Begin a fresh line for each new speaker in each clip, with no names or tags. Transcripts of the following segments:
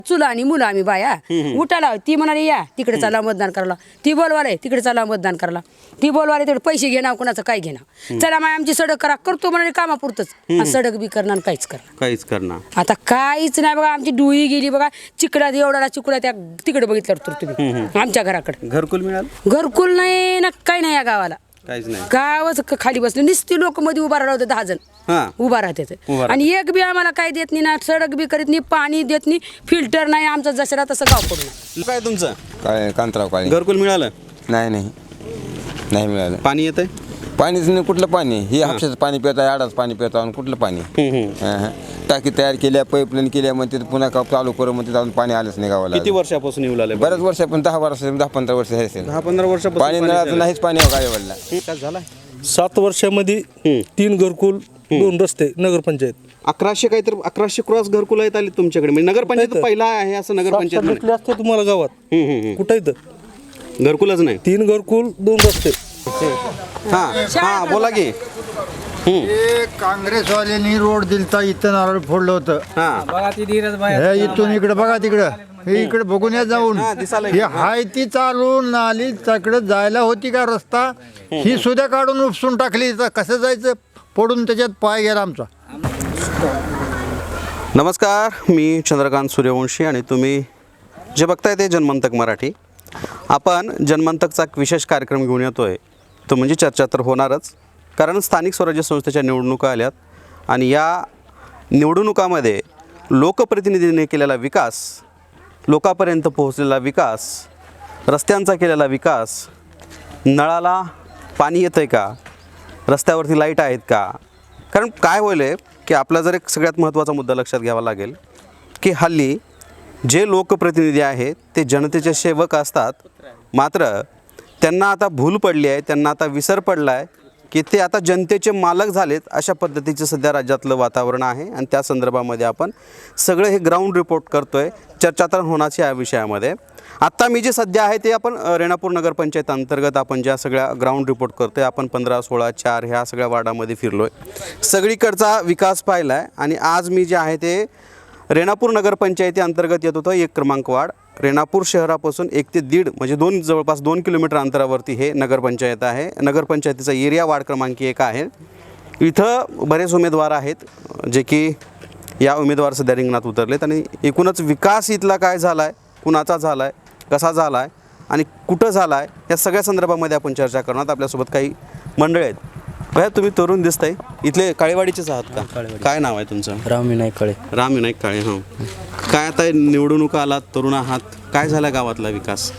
चुला आणि मुलं आम्ही बाया उठाला ती म्हणाली या तिकडे चला मतदान करायला, ती बोलवाले तिकडे चला मतदान करायला, ती बोलवाले तिकडे पैसे घेणार कुणाचं काय घेणार, चला माय आमची सडक करा करतो म्हणाले कामापुरतच सडक बी करणार काहीच करणार आता काहीच नाही बघा. आमची डुई गेली बघा चिकडात, एवढा चिकडा त्या तिकडे बघितलं तर तुम्ही आमच्या घराकडे
घरकुल मिळालं
घरकुल नाही ना काही नाही या गावाला.
काहीच नाही.
गावच खाली बसले नुसती लोक मध्ये उभा राहते 10 जण उभा राहते आणि एक बी आम्हाला काय देत नाही ना, सडक बी करीत नाही, पाणी देत नाही, फिल्टर नाही, आमचं जसं तसं गाव पडून.
काय तुमचं
काय कांतराव काय
घरकुल मिळालं?
नाही मिळालं.
पाणी येतंय?
पाणीच नाही. कुठलं पाणी? हे हापशाचं पाणी पिता, आडाच पाणी पिता आणि कुठलं पाणी? टाकी तयार केल्या, पाईपलाईन केल्या, मग तिथे पुन्हा चालू करू, मग तिथं पाणी आलंच नाही गावाला.
किती वर्षापासून येऊ लागले?
बऱ्याच वर्ष, पण 10-15 वर्ष हे असेल.
10-15 वर्षापासून
पाणी नळाचं नाहीच पाणी गावाला.
काय झालं?
7 वर्षामध्ये 3 घरकुल, 2 रस्ते, नगरपंचायत.
1100 काहीतरी 1100 क्रॉस घरकुल आहेत आले तुमच्याकडे. म्हणजे नगरपंचायत पहिला आहे असं नगरपंचायत
भेटले असते तुम्हाला गावात. कुठं इथं
घरकुलच नाही.
3 घरकुल, 2 रस्ते.
हा बोला की.
हे काँग्रेसवाल्यांनी रोड दिलता, इथं नारळ फोडलं होतं. हे इथून इकडे बघा, तिकडं हे इकडे बघून या जाऊन. हे हाय ती चालून नाली तिकडे जायला होती का रस्ता, ही सुद्धा काढून उपसून टाकली. कसं जायचं? पडून त्याच्यात पाय गेला आमचा.
नमस्कार, मी चंद्रकांत सूर्यवंशी आणि तुम्ही जे बघताय ते जनमंतक मराठी. आपण जनमंतकचा एक विशेष कार्यक्रम घेऊन येतोय. तो म्हणजे चर्चा तर होणारच, कारण स्थानिक स्वराज्य संस्थेच्या निवडणुका आल्यात आणि या निवडणुकामध्ये लोकप्रतिनिधींनी केलेला विकास, लोकांपर्यंत पोहोचलेला विकास, रस्त्यांचा केलेला विकास, नळाला पाणी येतं आहे का, रस्त्यावरती लाईट आहेत का. कारण काय होईल आहे की आपला जर एक सगळ्यात महत्त्वाचा मुद्दा लक्षात घ्यावा लागेल की हल्ली जे लोकप्रतिनिधी आहेत ते जनतेचे सेवक असतात, मात्र त्यांना आता भूल पडली आहे, त्यांना आता विसर पडला आहे की ते आता जनतेचे मालक झालेत. अशा पद्धतीचं सध्या राज्यातलं वातावरण आहे आणि त्या संदर्भामध्ये आपण सगळं हे ग्राउंड रिपोर्ट करतो आहे. चर्चा तर होण्याची या विषयामध्ये. आत्ता मी जे सध्या आहे ते आपण रेणापूर नगरपंचायत अंतर्गत आपण ज्या सगळ्या ग्राउंड रिपोर्ट करतो आहे, आपण 15, 16, 4 ह्या सगळ्या वार्डामध्ये फिरलो आहे, सगळीकडचा विकास पाहिला आहे. आणि आज मी जे आहे ते रेणापूर नगरपंचायती अंतर्गत येत होतं 1 क्रमांक वार्ड. रेणापूर शहरापासून 1 ते 1.5 म्हणजे जवळपास 2 किलोमीटर अंतरावरती हे नगरपंचायत आहे. नगरपंचायतीचा एरिया वार्ड क्रमांक 1 आहे. इथं बरेच उमेदवार आहेत जे की या उमेदवार सध्या रिंगणात उतरलेत आणि एकूणच विकास इथला काय झाला आहे, कुणाचा झाला आहे, कसा झाला आहे आणि कुठं झाला आहे, या सगळ्या संदर्भामध्ये आपण चर्चा करणार. आपल्यासोबत काही मंडळी आहेत. भैया तुम्ही तरुण दिसताय, इथले काळेवाडीचेच आहात का? काय नाव आहे तुमचं?
राम विनायक काळे.
राम विनायक काळे. हो, काय आता निवडणुका आलात, तरुण आहात, काय झाला गावातला विकास?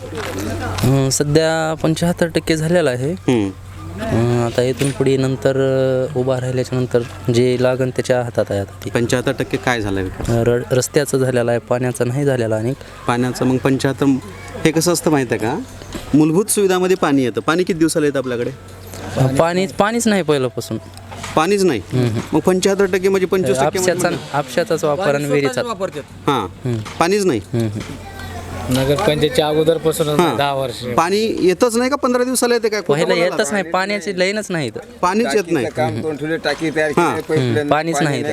सध्या 75% झालेला आहे. आता इथून पुढे नंतर उभा राहिल्याच्या नंतर जे लागण त्याच्या हातात आहे. आता
75% काय झाला विकास?
रस्त्याचं झालेलं आहे, पाण्याचं नाही झालेलं अनेक.
पाण्याचं मग 75 हे कसं असतं माहिती आहे का? मूलभूत सुविधामध्ये पाणी येतं. पाणी किती दिवसाला येतं आपल्याकडे?
पाणीच नाही पहिल्यापासून.
पाणीच नाही. मग 75% म्हणजे 25%
आपशाचाच वापर आणि विहिरीचा.
हां, पाणीच नाही.
नगरपंचायतच्या अगोदरपासून 10 वर्ष
पाणी येतच नाही का? 15 दिवसाला येते काय?
पहिला येतच नाही, पाण्याची लाईनच नाही इथं.
पाणीच येत नाही.
टाकी तयार केली,
पाणीच नाही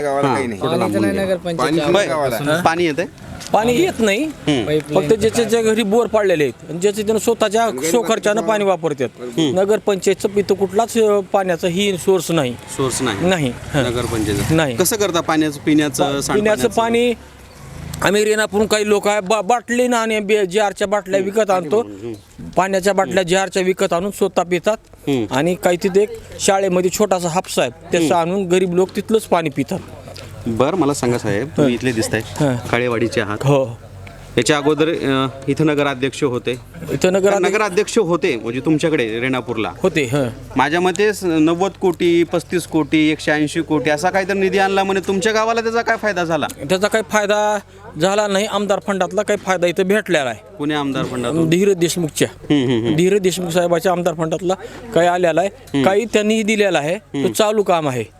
पाणी येते.
पाणी येत नाही. फक्त ज्याच्या घरी बोर पाडलेले आहेत आणि ज्याचे त्यानं स्वतःच्या खर्चानं पाणी वापरतात. नगरपंचायतचं इथं कुठलाच पाण्याचा ही सोर्स नाही.
सोर्स नाही नगरपंचायत
नाही.
कसं करता पाण्याचं? पिण्याचं
पाणी आम्ही रेणापूरून काही लोक आहे बाटली ना आणि जारच्या बाटल्या विकत आणतो. पाण्याच्या बाटल्या जारच्या विकत आणून स्वतः पितात आणि काही तिथे एक शाळेमध्ये छोटासा हापसा आहे त्याचं आणून गरीब लोक तिथलंच पाणी पितात.
बरं, मला सांगा साहेब, तुम्ही इथले दिसताय, काळेवाडीचे आहात.
हो.
याच्या अगोदर इथं नगराध्यक्ष होते.
इथं
नगराध्यक्ष होते म्हणजे तुमच्याकडे रेणापूरला
होते.
माझ्या मते 90 कोटी, 35 कोटी, 180 कोटी असा काहीतरी निधी आणला म्हणे. तुमच्या गावाला त्याचा काय फायदा झाला?
त्याचा काही फायदा झाला नाही. आमदार फंडातला काही फायदा इथं भेटलेला आहे.
पुणे आमदार फंडात
धीरज देशमुखच्या धीरज देशमुख साहेबाच्या आमदार फंडातला काही आलेला आहे. काही त्यांनी दिलेला आहे. तो चालू काम आहे.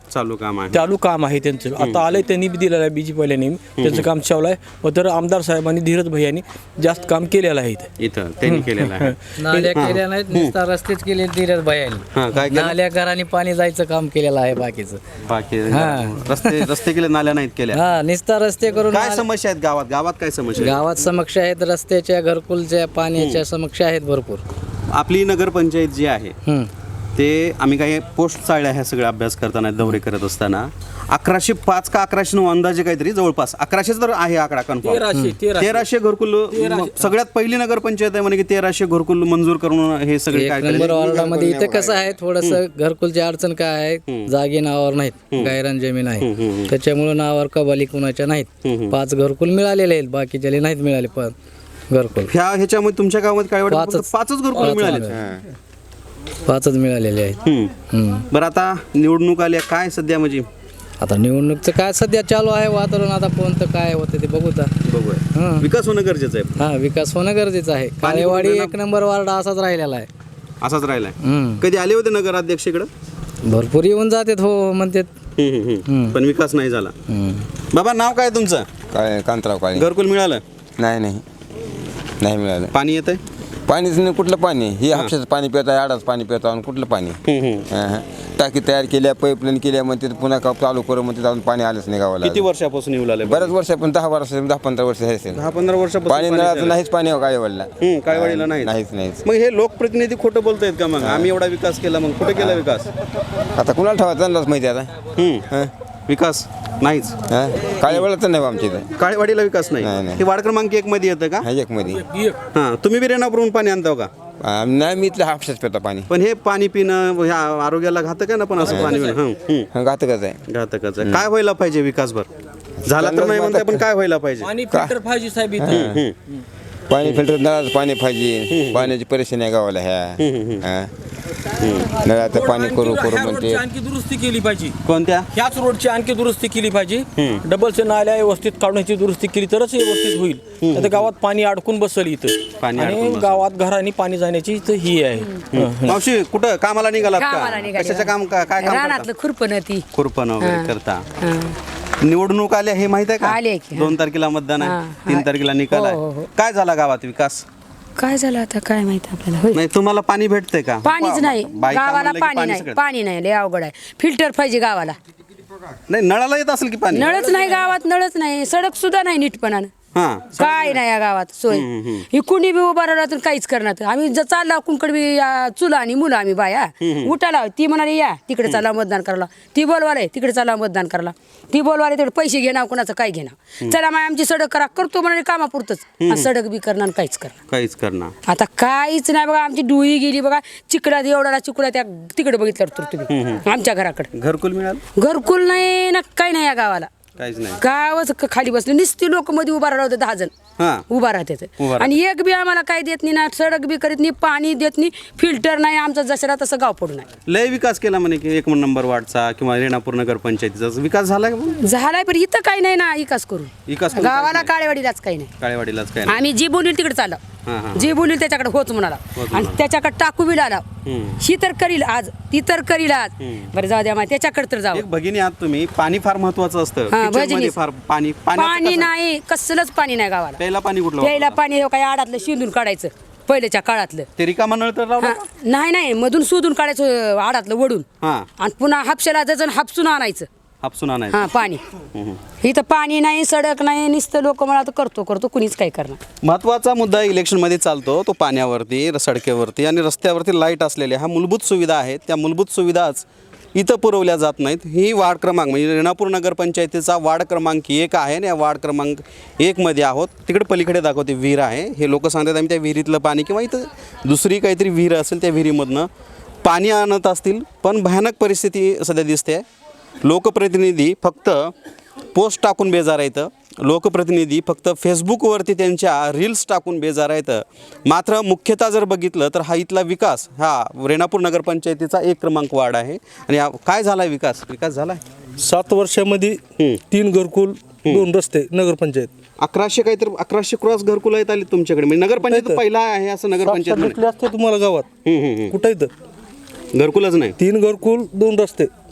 चालू काम आहे.
चालू काम आहे त्यांचं. आता आलंय त्यांनी बी दिलेलं आहे बीजी पहिल्या नेहमी त्यांचं काम चालू आहे. व तर आमदार साहेबांनी धीरज भैयांनी जास्त काम केलेलं आहे इथे.
इथं त्यांनी केलेलं आहे.
नाल्या केल्या नाहीत, नुसता रस्तेच केले धीरज भाई
हा, काय केलं?
नाल्या घराने पाणी जायचं काम केलेलं आहे बाकीचं.
बाकी रस्ते केले, नाल्या नाहीत केल्या.
हा, नुसता रस्ते करून
काय समस्या आहेत गावात? गावात काय समस्या आहेत?
गावात समस्या आहेत, रस्त्याच्या, घरकुलच्या, पाण्याच्या समस्या आहेत भरपूर.
आपली नगरपंचायत जी आहे
हम्म.
ते आम्ही काही पोस्ट चाळल्या ह्या सगळ्या अभ्यास करताना, दौरे करत असताना 1105 का 1109 अंदाजे काहीतरी जवळपास 1100 तर आहे आकडा कन्फर्म. 1300 घरकुल सगळ्यात पहिली नगरपंचायत आहे म्हणे की 1300 घरकुल मंजूर करून हे सगळे
एक
काय
नंबर वॉर्डामध्ये इथं कसं आहे, थोडस घरकुलची अडचण काय आहे, जागे नावावर नाहीत, गायरान जमीन आहे, त्याच्यामुळे नावावर कबाली कुणाच्या नाहीत. 5 घरकुल मिळालेले आहेत, बाकीच्या नाहीत मिळाले. पण घरकुल
ह्याच्यामध्ये तुमच्या गावामध्ये काय वाटतं? 5च घरकुल मिळाले.
5च मिळालेले आहेत.
बरं, आता निवडणूक आल्या, काय सध्या म्हणजे
आता निवडणूकचं काय सध्या चालू आहे वातावरण, आता कोणतं काय होतं ते बघूया.
बघूया. विकास होणं गरजेचं आहे.
हा, विकास होणं गरजेचं आहे. काळेवाडी एक नंबर वार्ड असाच राहिलेला आहे.
असाच राहिलाय. कधी आले होते नगराध्यक्ष इकडं?
भरपूर येऊन जातात, हो म्हणतात.
पण विकास नाही झाला. बाबा, नाव काय तुमचं?
काय कांतराव काळे.
घरकुल मिळालं?
नाही मिळालं.
पाणी येतंय?
पाणीच नाही. कुठलं पाणी? हे हापशाचं पाणी पिता, आडाच पाणी पिता, आणि कुठलं पाणी? टाकी तयार केल्या, पाईपलाईन केल्या, म्हणते पुन्हा चालू करू म्हणते, अजून पाणी आलंच नाही गावाला.
किती वर्षापासून येऊ लागले?
बऱ्याच वर्ष, पण 10-15 वर्ष असेल.
10-15 वर्षापासून
पाणी नळाचं नाहीच. पाणी काळेवाडीला
काळेवाडीला नाही.
नाहीच.
मग हे लोकप्रतिनिधी खोटं बोलतायत का? मग आम्ही एवढा विकास केला, मग कुठे केला विकास?
आता कुणाला ठेवा, त्यांनाच माहिती आता.
विकास नाहीच.
काळेवाडीला तर नाही आमच्या इथं.
काळेवाडीला विकास नाही.
नाही.
हे वार्ड क्रमांक 1 मध्ये येतं का?
हा, एक मध्ये.
हा, तुम्ही बी रेणापूरहून पाणी आणता का?
नाही, मी इथलं हापशाच पिता पाणी.
पण हे पाणी पिणं ह्या आरोग्याला घातक आहे ना? पण असं पाणी पिणं
घातकच आहे.
घातकच आहे. काय व्हायला पाहिजे विकास? भर झाला तर नाही म्हणताय, पण काय व्हायला पाहिजे?
पाणी फिल्टर पाहिजे साहेब इथं.
पाणी फिल्टर, नळाचं पाणी पाहिजे. पाण्याची परेशानी आहे गावाला ह्या. नळाचं पाणी करू म्हणते.
आणखी दुरुस्ती केली पाहिजे.
कोणत्या?
ह्याच रोडची आणखी दुरुस्ती केली पाहिजे. डबलचे नाल्या व्यवस्थित काढण्याची दुरुस्ती केली तरच व्यवस्थित होईल. आता गावात पाणी अडकून बसल इथं, आणि गावात घरांनी पाणी जाण्याची इथं ही आहे.
मावशी, कुठं कामाला निघालात
कामाला
का?
निघाले.
कशाचं काम? काय काम करता?
रानातलं खुरपण ती.
खुरपण वगैरे करता. निवडणूक आल्या हे माहित आहे
आले
का?
की.
2 तारखेला मतदान आहे, 3 तारखेला निकाल
हो, हो,
आहे.
हो.
काय झाला गावात विकास?
काय झालं आता काय माहिती आपल्याला. होय.
नाही, तुम्हाला पाणी भेटतंय का?
पाणीच नाही
बायका
गावाला,
म्हणलं की
पाणी नाही.
सगळं.
पाणी नाही, लय अवघड आहे. फिल्टर पाहिजे गावाला.
नाही, नळाला येत असेल की पाणी?
नळच नाही गावात, नळच नाही, सडक सुद्धा नाही नीटपणानं.
हा,
काय नाही या गावात सोय. ही कुणी बी उभा राहिला तर काहीच करणार. आम्ही जर चालला कुंकड बी चुला आणि मुलं आम्ही बाया उठाला, ती म्हणाली या तिकडे चला मतदान करायला, ती बोलवाले तिकडे चला मतदान करायला, ती बोलवाले तिकडे पैसे घेणार, कुणाचं काय घेणार. चला माय आमची सडक करा, करतो म्हणाले कामापुरतच. आणि सडक बी करणार आणि काहीच करणार.
काहीच करणार.
आता काहीच नाही बघा. आमची डुई गेली बघा, चिकडात एवढा चिकडा त्या तिकडे बघितलं तर तुम्ही आमच्या घराकडे.
घरकुल मिळालं?
घरकुल नाही ना, काही नाही या गावाला.
काहीच नाही.
गावच खाली बसले, नुसती लोक मध्ये उभा राहते, 10 जण उभा राहते. आणि एक बी आम्हाला काय देत नाही ना, सडक बी करीत नाही, पाणी देत नाही, फिल्टर नाही. आमचं जसं तसं गाव पडू नाही.
लय विकास केला म्हणे की 1 नंबर वार्डचा किंवा रेणापूर नगर पंचायतीचा विकास झाला का?
झालाय, पण इथं काही नाही ना विकास करून.
विकास करून
गावाला
काहीच
काळेवाडीलाच काही नाही.
काळेवाडीलाच काय नाही.
आम्ही जी बोलील तिकडे चाललो, जी बोलील त्याच्याकडे होच म्हणाला, आणि त्याच्याकडे टाकू बी आला. ही तर करील आज, ती तर करील आज. बरं जाऊ द्या, त्याच्याकडे तर जाऊ.
एक भगिनी आहात तुम्ही, पाणी फार महत्वाचं असतं. किचनमध्ये फार पाणी
पाणी नाही, कसलंच पाणी नाही गावाला.
प्यायला पाणी कुठलं?
प्यायला पाणी काय आडातलं शिंदून काढायचं पहिल्याच्या काळातलं.
ते रिकामा नळ तर लावला?
नाही, मधून शोधून काढायचं आडातलं वडून,
हा,
आणि पुन्हा हापशाला जण हापसून आणायचं.
हापसून आणायचं.
हा, पाणी. इथं पाणी नाही, सडक नाही, नुसतं लोक मला तर करतो कुणीच काय करणार.
महत्त्वाचा मुद्दा इलेक्शनमध्ये चालतो तो पाण्यावरती, सडकेवरती आणि रस्त्यावरती लाईट असलेल्या ह्या मूलभूत सुविधा आहेत. त्या मूलभूत सुविधाच इथं पुरवल्या जात नाहीत. ही वार्ड क्रमांक म्हणजे रेणापूर नगरपंचायतीचा वार्ड क्रमांक 1 आहे आणि या वार्ड क्रमांक 1 मध्ये आहोत. तिकडे पलीकडे दाखवते विहीर आहे. हे लोक सांगतात आम्ही त्या विहिरीतलं पाणी किंवा इथं दुसरी काहीतरी विहीर असेल त्या विहिरीमधनं पाणी आणत असतील. पण भयानक परिस्थिती सध्या दिसते. लोकप्रतिनिधी फक्त पोस्ट टाकून बेजार आहेत. लोकप्रतिनिधी फक्त फेसबुकवरती त्यांच्या रील्स टाकून बेजार आहेत. मात्र मुख्यतः जर बघितलं तर हा इथला विकास हा रेणापूर नगरपंचायतीचा 1 क्रमांक वार्ड आहे. आणि काय झाला विकास झाला
7 वर्षामध्ये 3 घरकुल, 2 रस्ते, नगरपंचायत.
1100 काहीतरी 1100 क्रॉस घरकुल आहेत आली तुमच्याकडे. म्हणजे नगरपंचायत पहिला आहे असं नगरपंचायत
भेटले असते तुम्हाला गावात. कुठं इथं
घरकुलच नाही.
3 घरकुल, 2 रस्ते.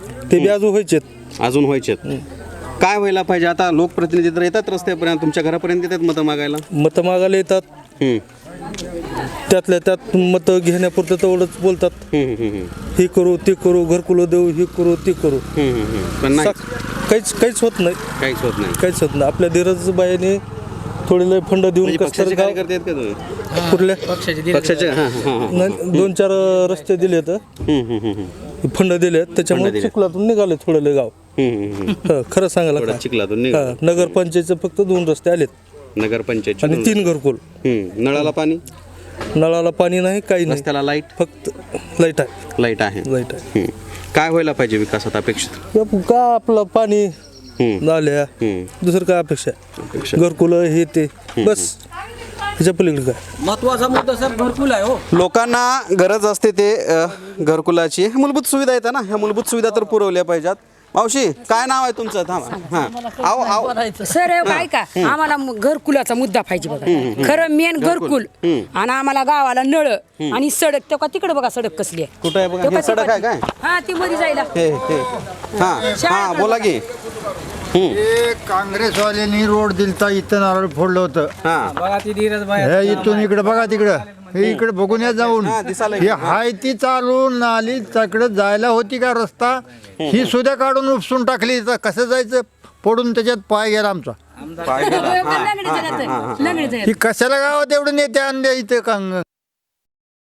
ते बी अजून व्हायचेत.
अजून व्हायचेत. काय व्हायला पाहिजे आता? लोकप्रतिनिधी तर येतात रस्त्यापर्यंत, तुमच्या घरापर्यंत येतात मतं मागायला.
मतं मागायला येतात,
हम्म,
त्यातल्या त्यात मतं घेण्यापुरतं तेवढंच बोलतात. हे करू ते करू, घरकुलं देऊ, हे करू ते करू.
पण नाही,
काहीच होत नाही.
काहीच होत नाही.
काहीच होत नाही. आपल्या धीरजबाईने थोडे लय फंड देऊन
म्हणजे
कसं
पक्षाचे
गाव
कार्यकर्ते आहेत का तुम्ही?
कुठल्या
पक्षाचे? हां हां हां.
2-4 रस्ते दिले तर फंड दिले, त्याच्यामुळे
दिलेत.
चिखलातून निघाले थोडे लय गाव. खरं सांगायला
थोडं
का?
चिखलातून निघालं.
हा, नगरपंचायतचे फक्त 2 रस्ते आलेत
नगरपंचायत
आणि 3 घरकुल.
नळाला पाणी,
नळाला पाणी नाही, काही नाही,
रस्त्याला लाईट,
फक्त लाईट आहे.
लाईट आहे.
लाईट आहे.
हम्म. काय व्हायला पाहिजे विकासात अपेक्षित?
का आपलं पाणी, नाल्या, दुसरं काय अपेक्षा आहे? घरकुलं हे ते बस, ह्याच्या पलीकडे काय?
महत्वाचा मुद्दा सर घरकुल आहे हो.
लोकांना गरज असते ते घरकुलाची. मूलभूत सुविधा येतात ना, ह्या मूलभूत सुविधा तर पुरवल्या पाहिजेत. मावशी, काय नाव आहे तुमचं? थांबा. हां, आओ आओ.
सर काय का आम्हाला घरकुलाचा मुद्दा पाहिजे बघा. खरं मेन घरकुल आणि आम्हाला गावाला नळ आणि सडक. तो का तिकडे बघा सडक कसली आहे.
कुठं आहे बघा?
तो
हे
का
सडक आहे काय?
हा ती मध्ये जायला.
हे हां हां, बोला की.
हे काँग्रेसवाल्यांनी रोड दिलता, इथं नारळ फोडलं होतं.
हां,
हे इथून इकडे बघा तिकडं, हे इकडे बघून या जाऊन. हे हाय ती चालून नाली तिकडे जायला होती का रस्ता, ही सुद्धा काढून उपसून टाकली. तर कसं जायचं? पडून त्याच्यात पाय गेला आमचा.
पाय गेला.
लंगडी झाला तर, लंगडी झाला.
ही कशाला गावात एवढं नेते आणले इथे